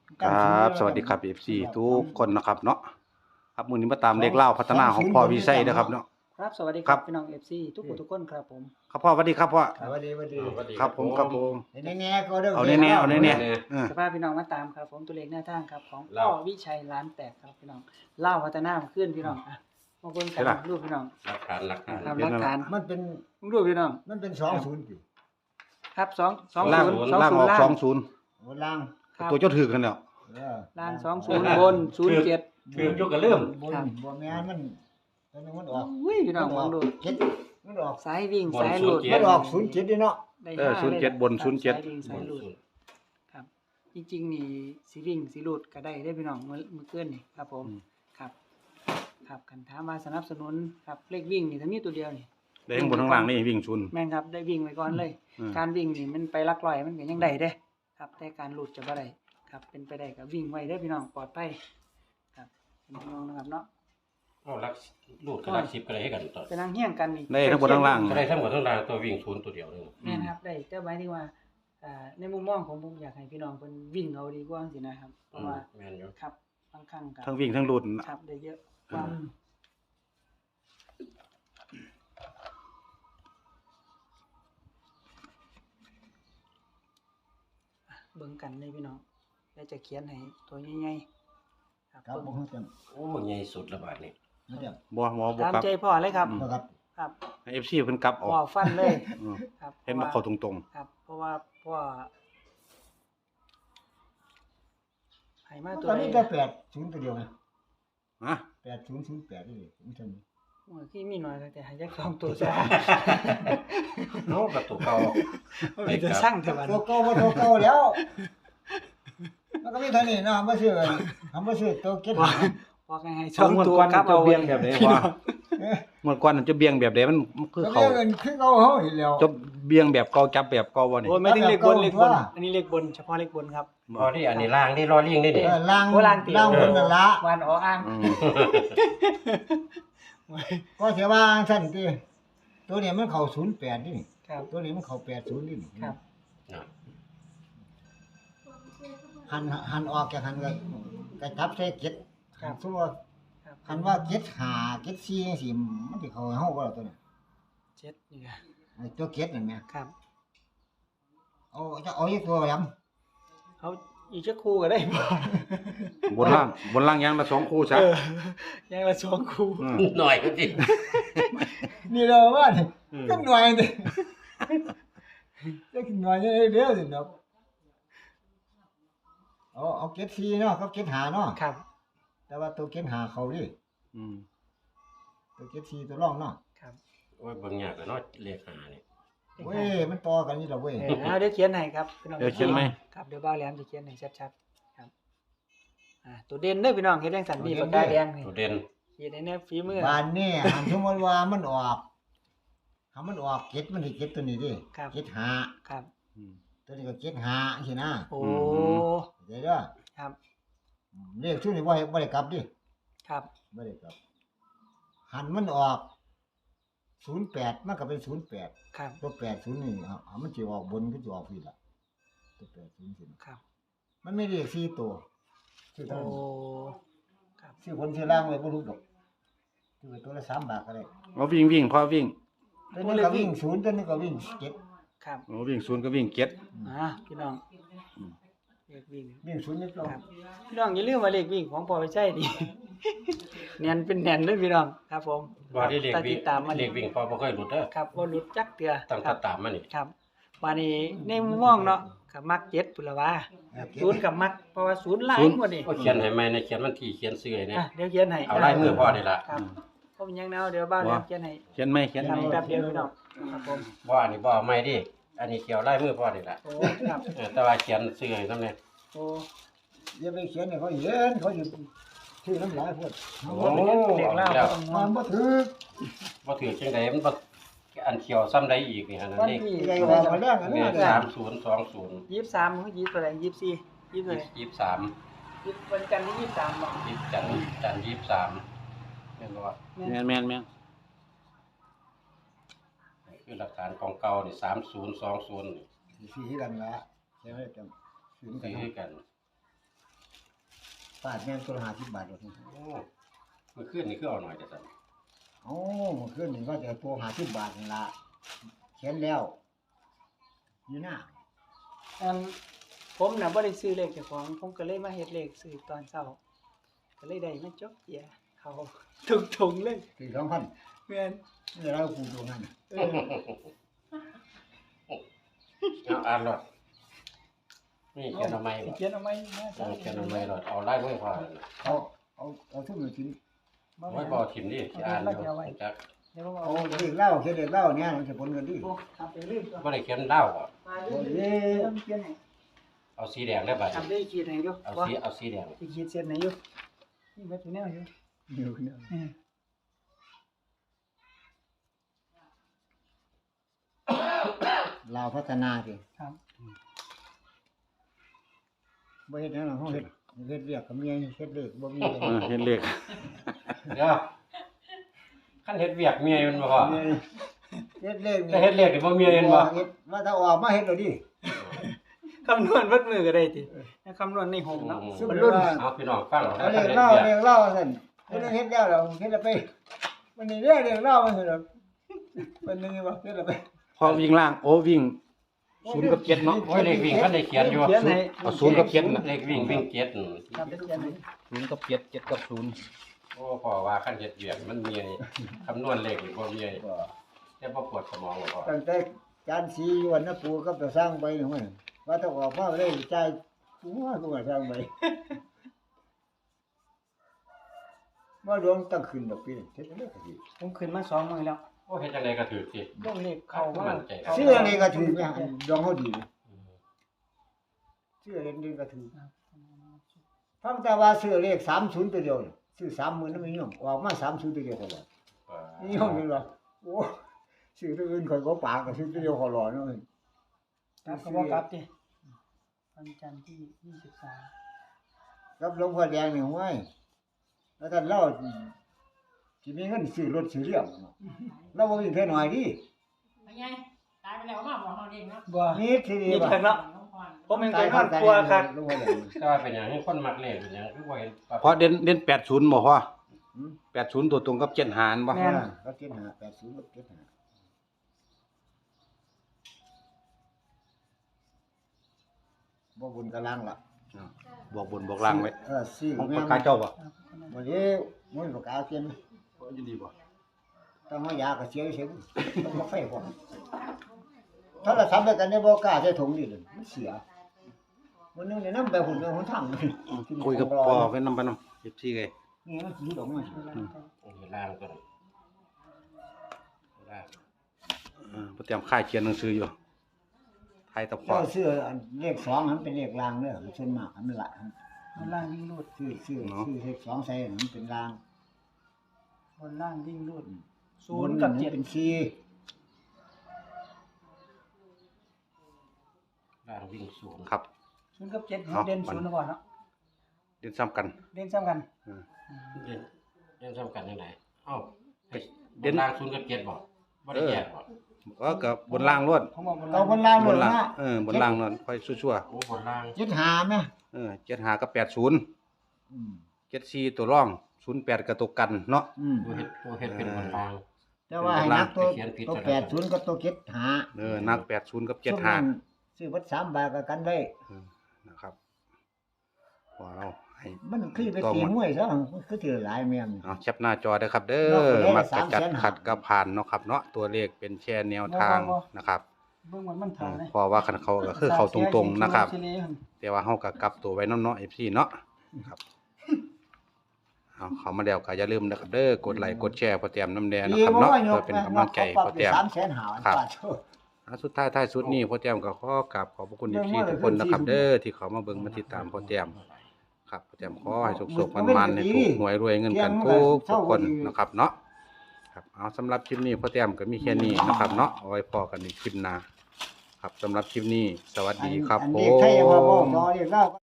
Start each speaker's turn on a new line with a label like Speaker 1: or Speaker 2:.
Speaker 1: ครับสวัสดีครับ FC ทุกคนนะครับเนาะครับมื้อนี้มาตามเลขเล่าพัฒนาของพ่อวิชัยนะครับเนาะ
Speaker 2: ครับสวัสดีค
Speaker 1: ครั
Speaker 2: รับบ พี่น้อง FC ทุกคนทุกคนครับผม
Speaker 1: ครับพ่อสวัสดีครับพ่อ
Speaker 3: สวัสดีสวัสดี
Speaker 1: ครับผมครับผม
Speaker 3: แน่ๆก็เด้อ
Speaker 1: เอาแน่ๆเอาแน่ๆ
Speaker 2: สภาพพี่น้องมาตามครับผมตัวเลขหน้าทางครับของพ่อวิชัยล้านแตกครับพี่น้องเล่าพัฒนาขึ้นพี่น้องอ่ะมาเบิ่งกันรูปพี่น้อง
Speaker 4: หลักฐาน
Speaker 2: ทำหลักฐาน
Speaker 3: มันเป็น
Speaker 2: รูปพี่น้อง
Speaker 3: มันเป็น20สิ
Speaker 2: ครับ2
Speaker 1: ล่าง
Speaker 2: 20
Speaker 1: ล่างออก
Speaker 2: ล่าง
Speaker 1: 20
Speaker 3: โอ้ล่าง
Speaker 2: ครับ
Speaker 1: ตัวเจ้าถือกันแล้ว
Speaker 2: ล่าง20บน07
Speaker 4: คือยุกกระเริ่ม
Speaker 3: บนบ่แม่นมันตอนนึงมันออก
Speaker 2: อุ้ยพี่น้องมองดู
Speaker 3: เจ็ดมันออก
Speaker 2: สายวิ่งสายหลุด
Speaker 3: มันออก07ดิเนาะ
Speaker 2: ได้
Speaker 1: 07บน
Speaker 2: สาย
Speaker 1: 07
Speaker 2: วิ่งสายหลุดครับจริงๆนี่สิวิ่งสิหลุดก็ได้ได้พี่น้องเมื่อคืนนี่ครับผมครับครับคันถามว่าสนับสนุนครับเลขวิ่งนี่ถ้ามีตัวเดียวนี่
Speaker 1: ได้ทั้งบนทั้งล่างนี่วิ่งชุน
Speaker 2: แม่นครับได้วิ่งไว้ก่อนเลย
Speaker 1: อืม
Speaker 2: การวิ่งนี่มันไปลักลอยมันก็ยังได้เด้ครับแต่การหลุดจะบ่ได้ครับเป็นไปได้ก็วิ่งไว้เด้อพี่น้องปลอดภัยครับเป็นพี่น้องนะครับเนาะ
Speaker 4: เอาลักลูดกับลัก10ก็ได้ให้กันต่อ
Speaker 2: จะนั่งเฮี้ยงกันนี่
Speaker 1: ได้ทั้งบนทั้งล่าง
Speaker 4: ก็ได้ทั้งหมดทั้งรางตัววิ่งศูนย์ตัวเดียวนึง
Speaker 2: แม่นครับได้แต่หมายถึงว่าในมุมมองของผมอยากให้พี่น้องเพิ่นวิ่งเอาดีกว่าสินะครับเพราะว่า
Speaker 4: แม่นอยู่
Speaker 2: ครับบางครั้งก็
Speaker 1: ทั้งวิ่งทั้งหลุด
Speaker 2: ครับได้เยอะกว่าเบิ่งกันเลยพี่น้องแล้วจะเขียนให้ตัวใหญ่ๆครับ
Speaker 3: ครับ
Speaker 2: เบิ่ง
Speaker 3: บ่ฮู้จัง
Speaker 4: โอ้ใหญ่สุดละบาดนี่
Speaker 3: บ่จัง
Speaker 1: บ่หมอบ่
Speaker 2: ตาม
Speaker 1: กลับ
Speaker 2: ใจพ่อเลยครับ
Speaker 1: อืม
Speaker 3: บ่ครับ
Speaker 2: ครับ
Speaker 1: ให้ FC เพิ่นกลับออก
Speaker 2: พ่อฟันเลย
Speaker 1: อืม
Speaker 2: ครับ
Speaker 1: เห็นมาเข้าตรง
Speaker 2: ครับ เพราะว่าพ่อให้มา
Speaker 3: มัน
Speaker 2: ตัว
Speaker 3: ก็
Speaker 2: ใด
Speaker 3: มีแต่80ตัวเดียวไง
Speaker 1: ๆฮะ
Speaker 3: 8008นี่มันซั่น
Speaker 2: โอ้ยที่มีน้อยแต่ให้จักสองตัวซะ
Speaker 4: เนาะกับตัวเก่า
Speaker 2: มีแต่สร้างแต่วัน
Speaker 3: ตัวเก่าบ่ตัวเก่าแล้วมันก็มีเท่านี้เนาะบ่ซื้อทำบ่ซื้อตัวเก็ต
Speaker 2: พอให้สองตัวครับ
Speaker 1: จะ
Speaker 2: เอา
Speaker 1: เบี่ยงแบบไหนวะเมื่อก่อนมันจะเบี่ยงแบบใดมันคือ
Speaker 3: ก็
Speaker 1: เขา
Speaker 3: เงินคือเขาเฮาอีกแล้ว
Speaker 1: จะเบี่ยงแบบเก่าจับแบบเก่าบ่นี่
Speaker 2: โอ้ยไม่ถึงเลขบนเลขบน
Speaker 3: ว่า
Speaker 2: อันนี้เลขบนเฉพาะเลขบนครับ
Speaker 4: พอที่อันนี้ล่างนี่รอเลี่ยงนี่ดิ
Speaker 3: ล่าง
Speaker 2: โอ้ล่างติ
Speaker 3: ล่างบนนั่นละ
Speaker 2: วันอ๋ออ้าง
Speaker 1: อืม
Speaker 3: ก็เสียว่าสั่นติตัวนี้มันเข้า08นี่
Speaker 2: ครับ
Speaker 3: ตัวนี้มันเข้า80นี่
Speaker 2: ครับ
Speaker 3: หันออกจากหันก็จับใส่เก็ด
Speaker 2: ครับ
Speaker 3: สมมุติว่า
Speaker 2: ครับ
Speaker 3: คันว่าเก็ด5เก็ด4จังซี่มันสิเข้าให้เฮาบ่ล่ะตัวนี้
Speaker 2: เจ็ดนี่ครับ
Speaker 3: ไอ้ตัวเก็ดนั่นแหม
Speaker 2: ครับ
Speaker 3: เอาอีกตัวยำ
Speaker 2: เอาอีกจักคู่ก็ได้บ่
Speaker 1: บนล่างอย่างละ2คู่ซะ
Speaker 2: ยังละสองคู่
Speaker 1: อืม
Speaker 4: หน่อยก็สิ
Speaker 3: นี่เราว่านี่ก็หน่วยนี่จะกินหน่วยนี่เด้อสิเนาะเอาเก็ด4เนาะกับเก็ด5เนาะ
Speaker 2: ครับ
Speaker 3: แต่ว่าตัวเก็ด5เข้าดิ
Speaker 1: อืม
Speaker 3: ตัวเก็ด4ตัวรองเนาะ
Speaker 2: ครับ
Speaker 4: โอ้ยบางอย่างก็เนาะเลข5นี่
Speaker 3: เว้ยมันต่อกันนี่ล่ะเว้ย
Speaker 2: เอาเดี๋ยวเขียนให้ครับพี่น้อง
Speaker 1: เดี๋ยวเขียนไหม
Speaker 2: ครับเดี๋ยวบ้าวแหลมจะเขียนให้ชัดๆครับตัวเด่นเด้อพี่น้องเฮ็ดจังซั่นนี่ปากกาแดงนี่
Speaker 4: ตัวเด่น
Speaker 2: เฮ็ดให้แน่ฝีมือ
Speaker 3: บ้านนี่หันสมมติว่ามันออกถ้ามันออกเก็ดมันสิเก็ดตัวนี้ดิ
Speaker 2: ครับ
Speaker 3: เก็ดหา
Speaker 2: ครับ
Speaker 1: อืม
Speaker 3: ตัวนี้ก็เก็ดหาใช่นะ
Speaker 2: โอ้
Speaker 3: เดี๋ยวเด้อ
Speaker 2: ครับ
Speaker 3: เลขชุดนี้บ่ได้กลับดิ
Speaker 2: ครับ
Speaker 3: บ่ได้กลับหันมันออก08มันก็เป็น08
Speaker 2: ครับ
Speaker 3: ตัว80นี่มันสิออกบนก็สิออกพี่ล่ะตัว80สิ
Speaker 2: ครับ
Speaker 3: มันไม่เลข4ตัวชื่อ
Speaker 2: โอ้
Speaker 3: เท่านั้น
Speaker 2: ครับ
Speaker 3: ชื่อคนชื่อล่างไว้บ่รู้ดอกชื่อไว้ตัวละ3บาทก็ได้
Speaker 1: เอาวิ่งพอวิ่ง
Speaker 3: ตัวนี้ก็วิ่ง0ตัวนี้ก็วิ่ง7
Speaker 2: ครับ
Speaker 1: เอาวิ่งศูนย์ก็วิ่งเก็ด
Speaker 2: พี่น้อง
Speaker 1: อืม
Speaker 2: เลขวิ่ง
Speaker 3: วิ่ง0นิดลง
Speaker 2: ครับพี่น้องอย่าลืมว่าเลขวิ่งของพ่อไปใช่ดิ แน่นเป็นแน่นเด้อพี่น้องครับผม
Speaker 4: บ่ได้เลข
Speaker 2: ถ้า
Speaker 4: วิ่
Speaker 2: ติ
Speaker 4: ง
Speaker 2: ดตามมา
Speaker 4: เลขวิ่งพอบ่เคยหลุดเด้อ
Speaker 2: ครับบ่หลุดจักเทื่อ
Speaker 4: ตั้ง
Speaker 2: ครั
Speaker 4: แต่ตามมานี่
Speaker 2: ครับวันนี้ในมุมมองเนาะกับมัก7พุ่นละว่าศูนย์กับมักเพราะว่าศูนย์หลายกว่านี่
Speaker 4: ก็เขียนให้ใหม่ในเขียนวันที่เขียนชื่อให้นะ
Speaker 2: เดี๋ยวเขียนให้
Speaker 4: เอาลายมือพ่อนี่ล่ะ
Speaker 2: ครับผมยังแนวเดี๋ยวบ้านแล้วเขียนให้
Speaker 1: เขียนไหมเขียนไหม
Speaker 2: แป๊บเดียวพี่น้องครับผม
Speaker 4: บ่อันนี้บ่เอาใหม่ดิอันนี้เขียวลายมือพ่อนี่ล่ะ
Speaker 2: โอ้ครับ
Speaker 4: แต่ว่าเขียนชื่อให้นำแน่
Speaker 2: โอ้
Speaker 3: อย่าไปเขียนให้เขาเห็นเขาสิชื่อน้ำลายพุ่น
Speaker 4: โอ้
Speaker 2: เด็กเล่า
Speaker 4: แล้ว
Speaker 2: ก็ต้องม
Speaker 3: มั
Speaker 2: อง
Speaker 3: นบ่ถูก
Speaker 4: บ่ถือจังไดมันบ่อันเขียวซ้ำใดอีกนี่หั่นน่ะ
Speaker 2: วัน
Speaker 4: เลข
Speaker 2: ที่
Speaker 3: ใหญ่กว่ามาแรกอันนี้
Speaker 4: เนี่ย
Speaker 3: เด้อ
Speaker 4: 3020
Speaker 2: 23หรือ24อะไร24 20เลย
Speaker 4: 23
Speaker 2: วันจันทร์ที่23บ่
Speaker 4: จันทร์23เห็นบ่ว่า
Speaker 1: แม่น
Speaker 4: คือหลักฐานของเก่านี่3020นี่
Speaker 3: สีกันละใช่ไหมจำสีกัน
Speaker 4: คือกัน
Speaker 3: ฟาดแม่นตัวละ50 บาทเลย
Speaker 4: โอ้เมื่อคืนนี่คือเอาหน่อยแต่สั่น
Speaker 3: เอ้าเมื่อคืนนี่ก็จะตัว50 บาทนั่นล่ะเขียนแล้วอยู่หน้า
Speaker 2: ผมน่ะบ่ได้ซื้อเลขเจ้าของผมก็เลยมาเฮ็ดเลขซื้อตอนเช้าก็เลยได้มาจกเจียเขาทุกถุงเลย
Speaker 3: คือ2,000
Speaker 2: แม่น
Speaker 3: นี่เราคูณตรงนั้น
Speaker 4: เอาอ่านรถนี่เขียนเอาไม้บ่
Speaker 2: เขียนเอาไว้นะ
Speaker 4: เขียนเอาไม้รถเอาไล่มือพอ
Speaker 3: เอาทุกมื้อกิน
Speaker 4: ไว้บ่ทิมดิสิอ่านอยู่จัก
Speaker 2: เดี๋ยวผม
Speaker 3: เอา
Speaker 2: เอา
Speaker 3: เด็กเล่าเขียนเด็กเล่าเนี่ยมันจะผลกันดี
Speaker 2: โอ้ทำไปเรื่อยก่อน
Speaker 4: บ่ได้เขียนดาวบ่
Speaker 2: มาเรื่อยๆเขียนให้
Speaker 4: เอาสีแดงได้บ่
Speaker 2: ทำได้ขีดให้อยู่
Speaker 4: เอาสีแดง
Speaker 2: สิขีดเส้นให้อยู่นี่เบิดอยู่แนวอยู่
Speaker 3: เดี๋ยวเนี่ย
Speaker 2: อืม
Speaker 3: ลาวพัฒนาสิ
Speaker 2: ครับ
Speaker 3: บ่เฮ็ดหยังหรอกเฮาเฮ็ดเรียกกับเมียเฮ็ดเลขบ่มีเลย
Speaker 1: เห็นเลข
Speaker 4: เดี๋ยวคันเฮ็ดเวียกเมียมันบ่พอ
Speaker 3: เมียเฮ็ดเลข
Speaker 4: แต่เฮ็ดเลขนี่บ่เมียเห็นบ่
Speaker 3: เฮ็ดว่าถ้าออกมาเฮ็ดแล้วดิ
Speaker 2: คำนวณวัดมือก็ได้ติคำนวณในหงเนาะ
Speaker 3: ซึ่งรุ่น
Speaker 4: เอาพี่น้องฟัง
Speaker 3: เอาเลขเล่าซั่นเฮ็ดแล้วเฮ็ดแล้วไปมันนี่เรียกเล่ามันซั่นดอกมันนึงว่าเฮ็ดแล้วไป
Speaker 1: พอวิ่งล่างโอ้วิ่ง0กับ7เนาะ
Speaker 4: โอ้ยเลขวิ่งคันได้เขียนอยู่
Speaker 2: เขียนให้
Speaker 1: เอา0กับ7น่ะ
Speaker 4: เลขวิ่งเจ็ด
Speaker 2: ครับเขียนให้
Speaker 1: 0กับ7 7กับ0
Speaker 4: โอ้พอว่าคันเฮ็ดเวียกมันเมียนี่คำนวณเลขนี่บ่เมียแต่บ่ปวดสมองบ่พอ
Speaker 3: ตั้งแต่จานสีอยู่วันนะปู่ก็ไปสร้างไปนี่มันว่าถ้าออกมาเลยจ่ายกูว่ากูก็สร้างไปบ่รวมตั้งขึ้นดอกปีเฮ็ดจังได๋ก็สิ
Speaker 2: ผมขึ้นมา2มื้อแล้ว
Speaker 4: โอ้เฮ็ดจังไดก็ถูกสิ
Speaker 2: ลงเลขเข้ามา
Speaker 3: ชื่ออะไรก็ถูกเนี่ยดองเฮาดีชื่อเล่นดีก็ถูกฟังแต่ว่าซื้อเลข30ตัวเดียวนี่ซื้อ30,000นำนิยมออกมา30ตัวเดียวตลอดนิยมนี่ว่าโอ้ซื้อตัวอื่นข่อยบ่ปากก็ซื้อตัวเดียวขอรอเนาะ
Speaker 2: ครับก็บ่กลับติวันจันทร์ที่23
Speaker 3: กับหลวงพ่อแดงนี่ห้วยแล้วท่านเล่าสิมีเงินซื้อรถซื้อเรือเนาะเราบ่มีแค่น้อยดิ
Speaker 5: ไปไงตายไปแล้วมาบอกเราเองเนาะ
Speaker 2: บ่
Speaker 3: นี่ทีนี้
Speaker 2: นี่
Speaker 3: ว่า
Speaker 2: เพิ่นเนาะ
Speaker 5: น้องพร
Speaker 2: ผมเองก็นอนกลัวครับ
Speaker 3: หลวงพ่อแดง
Speaker 4: แต่ว่าเป็นหยังให้คนมักเลขเป็นหยังคือบ่เห็น
Speaker 1: เพราะเด่น80บ่พอ
Speaker 3: อืม
Speaker 1: 80ตัวตรงกับ7หารบ่
Speaker 2: แม่น
Speaker 3: ก็เจ็ดหา80ก็เจ็ดหาบ่บุญกะลังล่ะ
Speaker 1: บอกบนบอกล่างไว้
Speaker 3: ซื้อ
Speaker 1: ของ
Speaker 3: แม่
Speaker 1: ปากกาเจ้าบ่
Speaker 3: บ่ได้มันปากกาเขียน
Speaker 1: อยู่ดีบ่
Speaker 3: ต้องเอายาก็เสียเสียต้องมาไฟพร้อมถ้าเราทำด้วยกันในบ่กล้าใส่ถุงนี่เลยมันเสียวันนึงเนี่ยนำไปหุ่นหนทาง
Speaker 1: คุยกับพ่อไปนำไปนำ14ไง
Speaker 3: นี่มันสิดอกมา
Speaker 4: ล่างตัวล่าง
Speaker 1: บ่เตรียมค่ายเขียนหนังสืออยู่ไทยตะพอ
Speaker 3: เจ้าซื้ออันเลข2มันเป็นเลขรางเด้อส่วนมากมันละ
Speaker 2: บนล่างวิ่งรูด
Speaker 3: ซื้อเลข2ใส่มันเป็นราง
Speaker 2: บนล่างวิ่งรูด0กับ7
Speaker 3: เป็น4
Speaker 4: ล่างวิ่งศูนย์
Speaker 1: ครับ
Speaker 2: 0กับ7
Speaker 1: เอา
Speaker 2: เด่น0นะบ่เนาะ
Speaker 1: เด่นซ้ำกัน
Speaker 2: เด่นซ้ำกัน
Speaker 4: เล่นซ้ำกันยังไงเอ้า
Speaker 1: เด่น
Speaker 4: ล่างศูนย์กับเจ็ดบ่บ่ได้แยกบ่
Speaker 1: ก็กับบนล่างล้วน
Speaker 2: ผมบอกบน
Speaker 3: เรา
Speaker 2: ล่าง
Speaker 3: บนล่าง
Speaker 1: บ
Speaker 3: หม
Speaker 1: น
Speaker 3: ด
Speaker 1: ล่าง
Speaker 3: นะ
Speaker 1: บนล่างนั่นค่อยชั่ว
Speaker 4: โอ้บนล่าง
Speaker 3: 7หาแม่
Speaker 1: 75กับ80 74ตัวร่อง08กับตัวกันเนาะ
Speaker 4: ตัวเฮ็ดเป็นบนล่าง
Speaker 3: แต่ว่าให้นักตัว
Speaker 4: เขียนผิด
Speaker 3: ตัว
Speaker 4: ซะแล้ว
Speaker 3: 80กับตัว7หา
Speaker 1: นัก80กับ
Speaker 3: ช่วงนั้น
Speaker 1: 75
Speaker 3: ซื้อวัด3บาทก็กันได้
Speaker 1: นะครับพอเราให้
Speaker 3: มันคือไปตีห้วยซะมันคือถือหลายแม่น
Speaker 1: เอาแคปหน้าจอได้ครับเด้
Speaker 3: นอกจาก
Speaker 1: อมักจะจัด
Speaker 3: 300,000
Speaker 1: ขัดกับผ่านเนาะครับเนาะตัวเลขเป็นแค่แนวทางนะครับ
Speaker 2: เบิ่งมันถ่ายเลย
Speaker 1: เพราะว่าคันเขาก็คือเขาตรงๆนะครับ
Speaker 2: เสียเสีย
Speaker 1: แต่ว่าเฮาก็กลับตัวไว้นำเนาะ FC เนาะครับเอาเข้ามาแล้วก็อย่าลืมนะครับเด้อกดไลค์กดแชร์พอแต้มน้ำแดงนะครับเนาะเพื่อเป็นกำลังใจพอแต้ม
Speaker 3: 300,000หา
Speaker 1: ครับ
Speaker 3: บาท
Speaker 1: สุดท้ายท้ายสุดนี้พ่อแต้มก็ขอกราบขอบพระคุณ FC ทุกคนนะครับ เด้อที่เขามาเบิ่งมาติดตามพ่อแต้มครับพ่อแต้มขอให้สุขๆมันๆให้ถูกหวยรวยเงินกันทุกคนนะครับเนาะครับเอาสำหรับคลิปนี้พ่อแต้มก็มีแค่นี้นะครับเนาะเอาไว้พอกันในคลิปหน้าครับสำหรับคลิปนี้สวัสดีครับ
Speaker 3: อัน
Speaker 1: ผ
Speaker 3: นี้ใครจะมาบอก
Speaker 1: ม
Speaker 3: รอเรียกเล่า